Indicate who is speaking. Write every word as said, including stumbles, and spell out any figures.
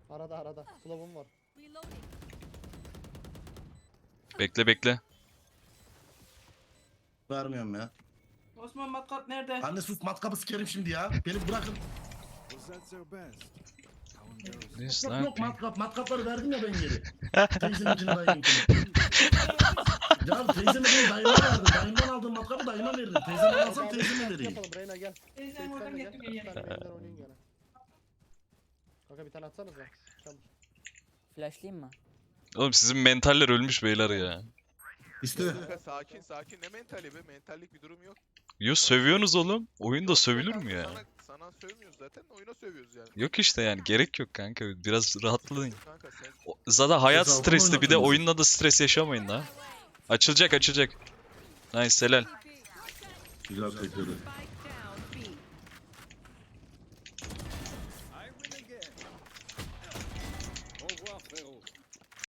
Speaker 1: Arada arada. Flow'um var.
Speaker 2: Bekle bekle.
Speaker 3: Vermiyorum ya.
Speaker 4: Osman matkap nerede?
Speaker 3: Anne sus matkabı sikerim şimdi ya. Beni bırakın.
Speaker 2: This
Speaker 3: Yok
Speaker 2: lan.
Speaker 3: yok matkap. Matkapları verdim ya ben geri. Teyzemin için dayımınkini. Ya teyzeme değil dayıma verdim. Dayımdan aldığım matkabı dayıma veririm. Teyzemden alsam teyzeme vereyim.
Speaker 1: Yapalım Reyna gel.
Speaker 4: Teyzem
Speaker 1: Sen
Speaker 4: oradan
Speaker 1: de gel.
Speaker 4: getirmiyor
Speaker 1: Bir
Speaker 4: yine.
Speaker 1: tane main'den oynayın gene. Kanka bir tane atsanıza. Çabuk.
Speaker 5: Flashlayayım mı?
Speaker 2: Oğlum sizin mentaller ölmüş beyler ya.
Speaker 3: İşte.
Speaker 6: Kanka sakin sakin ne mentali be, mentallik bir durum yok.
Speaker 2: Yo sövüyorsunuz oğlum. Oyunda sövülür mü ya?
Speaker 6: Sana, sana sövmüyoruz zaten, oyuna sövüyoruz yani.
Speaker 2: Yok işte yani gerek yok kanka. Biraz rahatlayın.
Speaker 6: Kanka sen
Speaker 2: O- Zaten hayat
Speaker 3: Ceza
Speaker 2: stresli, bir de
Speaker 3: oynatın bizi.
Speaker 2: oyunla da stres yaşamayın la. Açılacak açılacak. Nice helal.
Speaker 3: Güzel kaçırdı.